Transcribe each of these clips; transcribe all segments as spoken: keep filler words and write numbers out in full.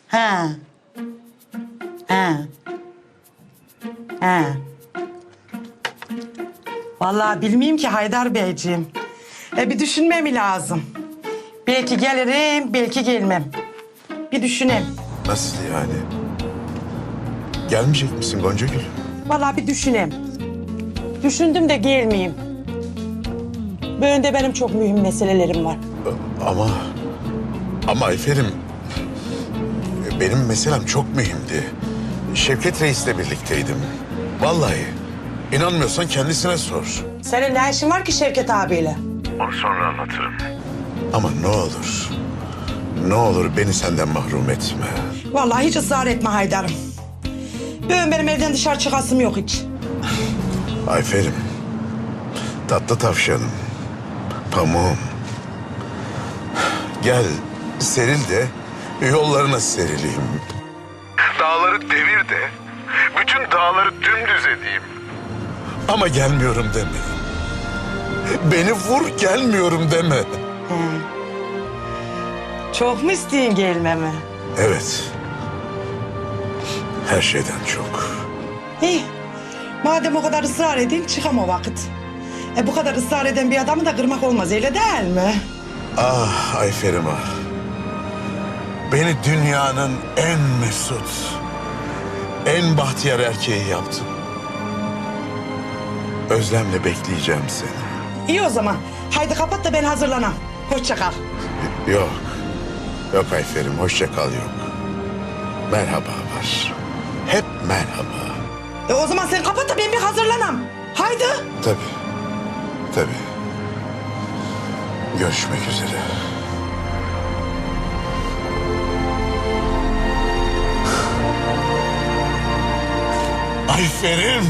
Ha. Ha. Ha. Vallahi bilmeyeyim ki Haydar Beyciğim. E bir düşünmem lazım. Belki gelirim, belki gelmem. Bir düşüneyim. Nasıl yani? Gelmeyecek misin Goncagül? Vallahi bir düşüneyim. Düşündüm de gelmeyeyim. Böyle de benim çok mühim meselelerim var. Ama... Ama Ayfer'im... Benim meselem çok mühimdi. Şevket Reis'le birlikteydim. Vallahi. İnanmıyorsan kendisine sor. Senin ne işin var ki Şevket abiyle? Onu sonra anlatırım. Ama ne olur... Ne olur beni senden mahrum etme. Vallahi hiç ısrar etme Haydar'ım. Böyle benim evden dışarı çıkasım yok hiç. Ayfer'im... Tatlı tavşanım... Pamuğum... Gel seril de yollarına serileyim. Dağları devir de bütün dağları dümdüz edeyim. Ama gelmiyorum deme. Beni vur gelmiyorum deme. He. Çok mu isteyin gelmemi? Evet. Her şeyden çok. İyi. Madem o kadar ısrar edin çıkam o vakit. E bu kadar ısrar eden bir adamı da kırmak olmaz öyle değil mi? Ah Ayfer'im ah. Beni dünyanın en mesut, en bahtiyar erkeği yaptın. Özlemle bekleyeceğim seni. İyi o zaman. Haydi kapat da ben hazırlanam. Hoşça kal. Yok. Yok Ayfer'im hoşça kal yok. Merhaba var. Hep merhaba. E o zaman sen kapat da ben bir hazırlanam. Haydi. Tabii. Tabii. Görüşmek üzere. Ayfer'im.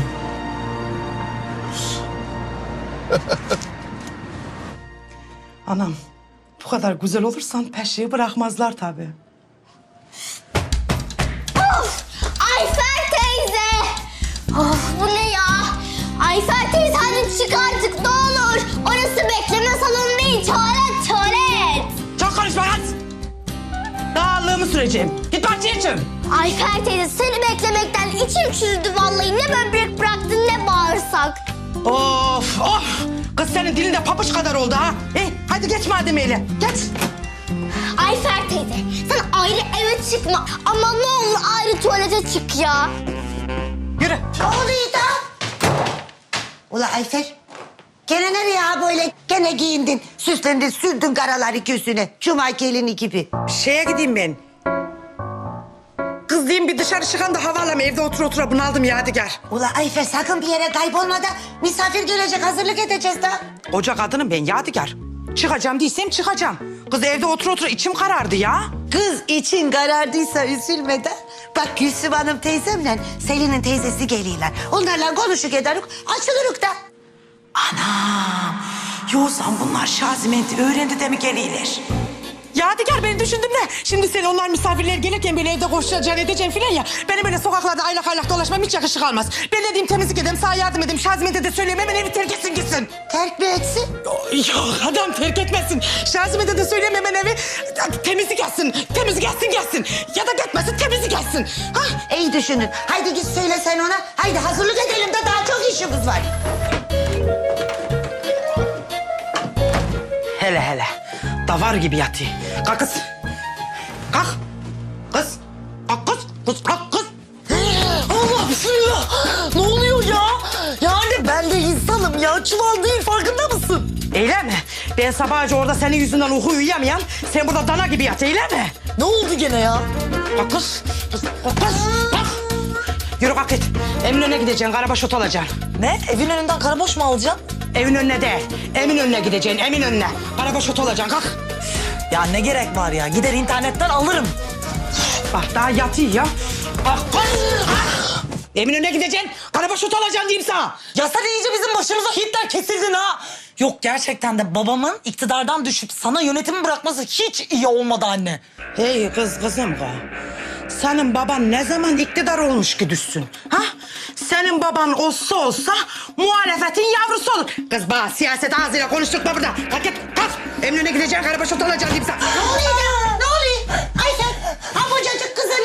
Anam bu kadar güzel olursan peşeyi bırakmazlar tabii. Of! Ayfer teyze! Of bu ne ya? Ayfer teyze hadi çık artık ne olur. Orası bekleme salonu değil, tuvalet tuvalet. Çok konuşma lan. Dağlığımı süreceğim. Git bahçeye çık. Ayfer teyze seni beklemekten içim çürüdü vallahi. Ne böbrek bıraktın ne bağırsak. Of of. Kız senin dilin de papuç kadar oldu ha. E, hadi geç madem öyle. Geç. Ayfer teyze sen ayrı eve çıkma. Ama ne olur ayrı tuvalete çık ya. Yürü. Ne oluyor da? Ula Ayfer, gene nereye ha böyle? Gene giyindin, süslendin, sürdün karaları gözüne. Cuma gelini gibi. Şeye gideyim ben. Kız diyeyim bir dışarı çıkan da hava alayım. Evde otur otura bunaldım Yadigar. Ula Ayfer sakın bir yere kaybolma da misafir gelecek hazırlık edeceğiz da. Koca kadınım ben Yadigar. Çıkacağım değilsem çıkacağım. Kız evde otur otura içim karardı ya. Kız için karardıysa üzülme de. Bak Gülsüm Hanım teyzemle Selin'in teyzesi geliyorlar. Onlarla konuşuk ederik, açılırık da. Anam. Yoksa bunlar Şazimenti öğrendi de mi geliyorlar? Yadigar ben düşündüm de şimdi sen onlar misafirler gelirken böyle evde koşacaksın edeceksin filan ya. Benim böyle sokaklarda aylak aylak dolaşmam hiç yakışık almaz. Ben dediğim temizlik edeyim, sana yardım edeyim. Şazimente de söyleyeyim hemen evi terk etsin gitsin. Terk mi etsin? Yok adam terk etmesin. Şazimente de söyleyeyim hemen evi temizlik etsin. Temizlik etsin gelsin. Ya da gitmesin temizlik etsin. Ha? İyi düşünün. Haydi git söyle sen ona. Haydi hazırlık edelim de daha çok işimiz var. Hele hele. Davar gibi yatıyor. Kalk kız. Kalk. Kız. Kalk kız. Kız kalk kız. Allah bismillah. Ne oluyor ya? Yani ben de insanım ya. Çuval değil farkında mısın? Öyle mi? Ben sabahca orada senin yüzünden uyku uyuyamayan, sen burada dana gibi yat öyle mi? Ne oldu gene ya? Kalk kız. Kız kalk kız. Kalk. Yürü kalk git. Eminönü'ne gideceksin, karabaş ot alacaksın. Ne? Evin önünden karaboş mu alacaksın? Evin önüne değil, Eminönü'ne gideceksin, Eminönü'ne. Karabaş ot alacaksın, kalk. Ya ne gerek var ya? Gider internetten alırım. Bak daha yatıyor ya. Kalk kız. Kalk. Eminönü'ne gideceksin, karabaş ot alacaksın diyeyim sana. Ya sen iyice bizim başımıza Hitler kesildin ha. Yok gerçekten de babamın iktidardan düşüp sana yönetimi bırakması hiç iyi olmadı anne. Hey kız kızım kız. Senin baban ne zaman iktidar olmuş ki düşsün? Ha? Senin baban olsa olsa muhalefetin yavrusu olur. Kız bana siyaset ağzıyla konuşturma burada. Kalk git kalk. Eminönü'ne gideceksin karabaş ot alacaksın diyeyim sana. Ne oluyor ya? Ne oluyor? Ayfer, ha kocacık kızı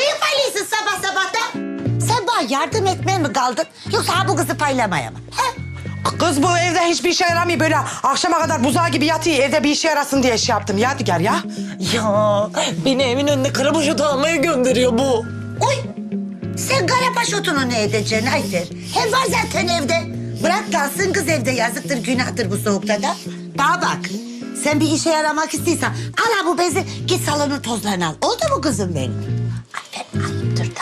mi kaldın? Yoksa ha bu kızı paylamaya mı? He? Kız bu evde hiçbir işe yaramıyor. Böyle akşama kadar buzağı gibi yatıyor. Evde bir işe yarasın diye şey yaptım. Yadigar ya. Ya beni evin önüne karabaşot almaya gönderiyor bu. Oy! Sen karabaş otunu ne edeceksin Ayfer? Hem var zaten evde. Bırak kalsın kız evde, yazıktır günahtır bu soğukta da. Bana bak, sen bir işe yaramak istiyorsan al ha bu bezi, git salonun tozlarını al. Oldu mu kızım benim? Ayfer ayıptır da.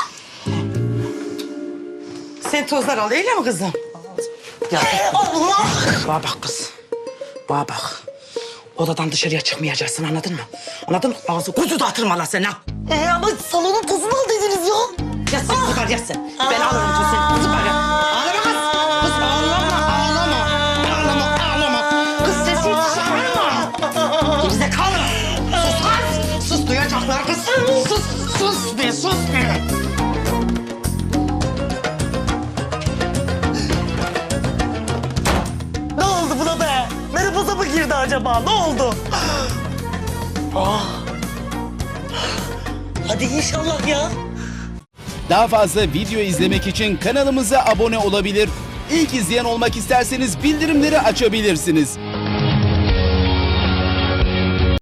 Sen tozlar al öyle mi kızım? Ya Allah! bana bak kız. Bana bak. Odadan dışarıya çıkmayacaksın, anladın mı? Anladın mı? Ağzı kuzu dağıtırma la sen ha. Ee, ama salonun tozunu al dediniz ya. Ya sen zıbar ya sen. Ben alırım tozunu. Zıbar ya. Ağlama kız. Kız ağlama, ağlama. Ağlama, ağlama. Kız sesi çıkarma. Gerizekalı. Sus kız. Sus, duyacaklar kız. Sus, sus be, sus be. Ne oldu buna be? Menopoza mı girdi acaba? Ne oldu? Ah. Hadi inşallah ya. Daha fazla video izlemek için kanalımıza abone olabilir. İlk izleyen olmak isterseniz bildirimleri açabilirsiniz.